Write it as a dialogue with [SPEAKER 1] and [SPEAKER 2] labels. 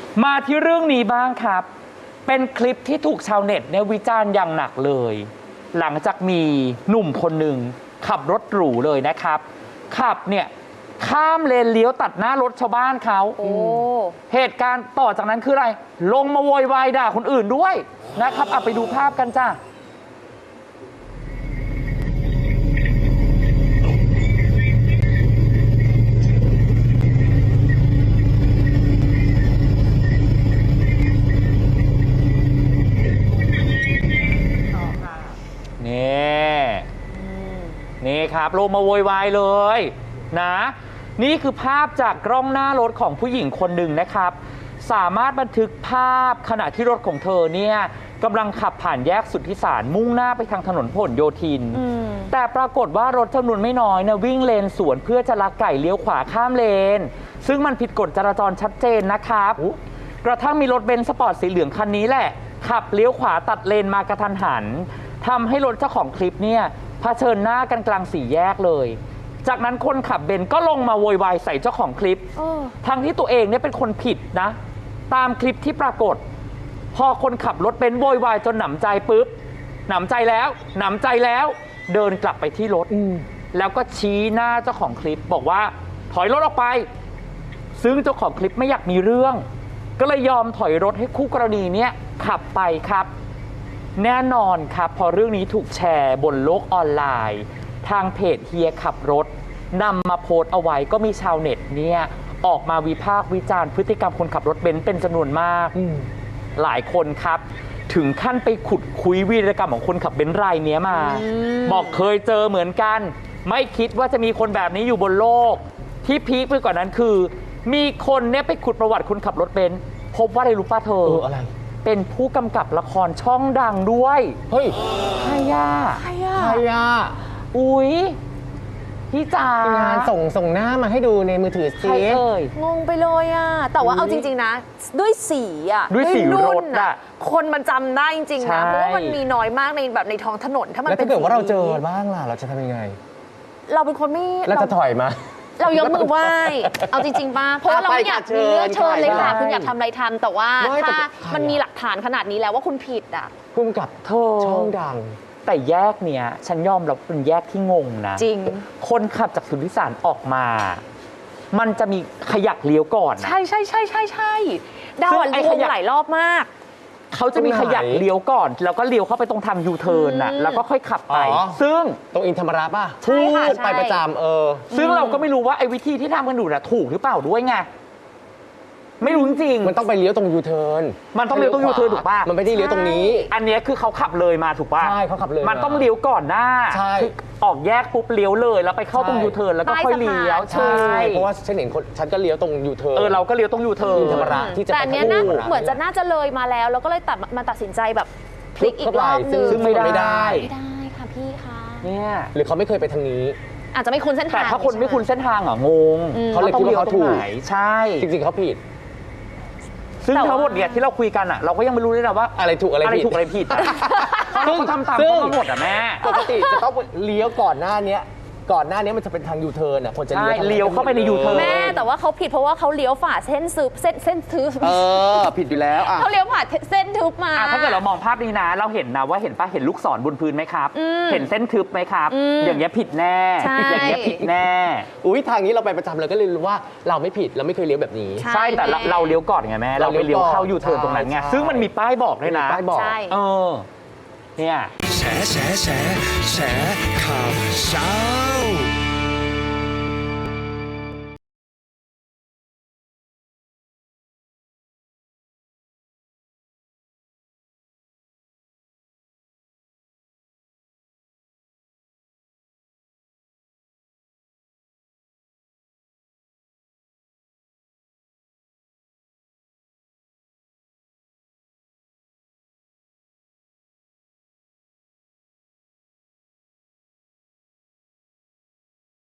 [SPEAKER 1] มาที่เรื่องนี้บ้างครับ เป็นคลิปที่ถูกชาวเน็ตเนี่ยวิจารณ์อย่างหนักเลย หลังจากมีหนุ่มคนหนึ่งขับรถหรูเลยนะครับ ขับเนี่ยข้ามเลนเลี้ยวตัดหน้ารถชาวบ้านเขาเหตุการณ์ต่อจากนั้นคืออะไร ลงมาโวยวายด่าคนอื่นด้วยนะครับเอาไปดูภาพกันจ้านี่ครับลงมาโวยวายเลยนะนี่คือภาพจากกล้องหน้ารถของผู้หญิงคนหนึ่งนะครับสามารถบันทึกภาพขณะที่รถของเธอเนี่ยกำลังขับผ่านแยกสุทธิสารมุ่งหน้าไปทางถนนพหลโยธินแต่ปรากฏว่ารถจำนวนไม่น้อยนะวิ่งเลนสวนเพื่อจะลักไก่เลี้ยวขวาข้ามเลนซึ่งมันผิดกฎจราจรชัดเจนนะครับกระทั่งมีรถเบนซ์สปอร์ตสีเหลืองคันนี้แหละขับเลี้ยวขวาตัดเลนมากระทันหันทำให้รถเจ้าของคลิปเนี่ยเผชิญหน้ากันกลางสี่แยกเลยจากนั้นคนขับเบนซ์ก็ลงมาโวยวายใส่เจ้าของคลิปทั้งที่ตัวเองเนี่ยเป็นคนผิดนะตามคลิปที่ปรากฏพอคนขับรถเบนซ์โวยวายจนหนำใจปุ๊บหนำใจแล้วเดินกลับไปที่รถแล้วก็ชี้หน้าเจ้าของคลิปบอกว่าถอยรถออกไปซึ่งเจ้าของคลิปไม่อยากมีเรื่องก็เลยยอมถอยรถให้คู่กรณีเนี่ยขับไปครับแน่นอนครับพอเรื่องนี้ถูกแชร์บนโลกออนไลน์ทางเพจเฮียขับรถนำมาโพสต์เอาไว้ก็มีชาวเน็ตเนี่ยออกมาวิพากษ์วิจารณ์พฤติกรรมคนขับรถเบนซ์เป็นจำนวนมากหลายคนครับถึงขั้นไปขุดคุยวีรกรรมของคนขับเบนซ์รายนี้มาบอกเคยเจอเหมือนกันไม่คิดว่าจะมีคนแบบนี้อยู่บนโลกที่พีคไปกว่านั้นคือมีคนเนี่ยไปขุดประวัติคนขับรถเบนซ์พบว่าอะไรรู้ป่ะเธออะไรเป็นผู้กำกับละครช่องดังด้วยเฮ้ยใครอะอุ๊ยพี่จ๋าง
[SPEAKER 2] านส่งหน้ามาให้ดูในมือถือสิ
[SPEAKER 1] ใครเอ่ย
[SPEAKER 3] งงไปเลยอ่ะแต่ว่าเอาจริงๆนะด้วยสีอ่ะ
[SPEAKER 1] ด้วยสีรถอ่ะ
[SPEAKER 3] คนมันจำได้จริงๆนะเพราะว่ามันมีน้อยมากในแบบในท้องถนนถ้ามันเป็น
[SPEAKER 2] แล้วถ้าเกิดว่าเราเจอบ้างล่ะเราจะทำยังไง
[SPEAKER 3] เราเป็นคนไม่
[SPEAKER 2] เราจะถอยมา
[SPEAKER 3] เรายกมือไหว้เอาจริงๆป่ะเพราะว่าเราไม่อยากมีเรื่องเชิญเลยค่ะคุณอยากทำอะไรทำแต่ว่าถ้ามันมีหลักฐานขนาดนี้แล้วว่าคุณผิดอ่ะ
[SPEAKER 2] พุ่งกับช่องดัง
[SPEAKER 1] แต่แยกเนี้ยฉันยอมรับเป็นแยกที่งงนะ
[SPEAKER 3] จริง
[SPEAKER 1] คนขับจากสุทธิสารออกมามันจะมีขยักเลี้ยวก่อนนะ
[SPEAKER 3] ใช่ดาวงงหลายรอบมาก
[SPEAKER 1] เขาจะมีขยักเลี้ยวก่อนแล้วก็เลี้ยวเข้าไปตรงทางยูเทิร์นน่ะแล้วก็ค่อยขับไปซึ่ง
[SPEAKER 2] ตรงอินธรรมราป่ะ
[SPEAKER 3] ใช่ค่ะ
[SPEAKER 2] ไปประจำ
[SPEAKER 1] ซึ่งเราก็ไม่รู้ว่าไอ้วิธีที่ทำกันอยู่น่ะถูกหรือเปล่าด้วยไงไม่รู้จริง
[SPEAKER 2] มันต้องไปเลี้ยวตรงยูเทิร์น
[SPEAKER 1] มันต้องเลี้ยวตรงยูเทิร์นถูกป่ะ
[SPEAKER 2] มันไม่ได้เลี้ยวตรงนี้
[SPEAKER 1] อันนี้คือเขาขับเลยมาถูกป่ะ
[SPEAKER 2] ใช่เขาขับเลย
[SPEAKER 1] มันต้องเลี้ยวก่อนหน้าคือออกแยกปุ๊บเลี้ยวเลยแล้วไปเข้าตรงยูเทิร์นแล้วก็ค่อยเลี้ยว
[SPEAKER 2] ใช่เพราะว่าฉันเห็นฉันก็เลี้ยวตรงยูเทิร์น
[SPEAKER 1] เราก็เลี้ยวตรงยูเทิร์น
[SPEAKER 2] ธรรมราที่จะ
[SPEAKER 3] แต่อันนี้น่าเหมือนจะน่าจะเลยมาแล้วก็เลยตัดสินใจแบบพลิกอีกรอบนึง
[SPEAKER 1] ซึ่งไม่
[SPEAKER 3] ได้ค่ะพี่คะ
[SPEAKER 1] เนี่ย
[SPEAKER 2] หรือเขาไม่เคยไปทางนี้
[SPEAKER 3] อาจจะไม่คุ้นเส้นทาง
[SPEAKER 1] แต่ถ้าคนไม่คุ้นเส้นทางงง
[SPEAKER 2] เขาเลยคิดว่าเขาถูก
[SPEAKER 1] ใช่
[SPEAKER 2] จริงๆเขาผิด
[SPEAKER 1] ซึ่งทั้งหมดเนี่ยที่เราคุยกันเราก็ยังไม่รู้เลยนะว่า
[SPEAKER 2] อะไรถูกอะไร
[SPEAKER 1] ผิดซึ่งทำตามทั้งหมดแม่
[SPEAKER 2] ปกติจะต้องเลี้ยวก่อนหน้านี้มันจะเป็นทางยูเทิร์นคนจะ
[SPEAKER 1] เลี้ยวเข้าไปในยูเทิร์น
[SPEAKER 3] แม่แต่ว่าเขาผิดเพราะว่าเขาเลี้ยวฝ่าเส้นทึบ
[SPEAKER 2] ผิดอยู่แล้ว
[SPEAKER 3] เขาเลี้ยวผ่าเส้นทึบมา
[SPEAKER 1] ถ้าเกิดเรามองภาพนี้นะเราเห็นนะว่าเห็นลูกศรบนพื้นไหมครับเห็นเส้นทึบไหมครับอย่างเงี้ยผิดแน่อย่างเงี้ยผิดแน่
[SPEAKER 2] อุ้ยทางนี้เราไปประจำเลยก็เลยรู้ว่าเราไม่ผิดเราไม่เคยเลี้ยวแบบนี้
[SPEAKER 1] ใช่แต่เราเลี้ยวก่อนไงแม่เราไปเลี้ยวเข้ายูเทิร์นตรงนั้นไงซึ่งมันมีป้ายบอกด้วยนะ
[SPEAKER 2] ป้ายบอก
[SPEAKER 1] เนี่ย
[SPEAKER 4] แฉข่าวเช้า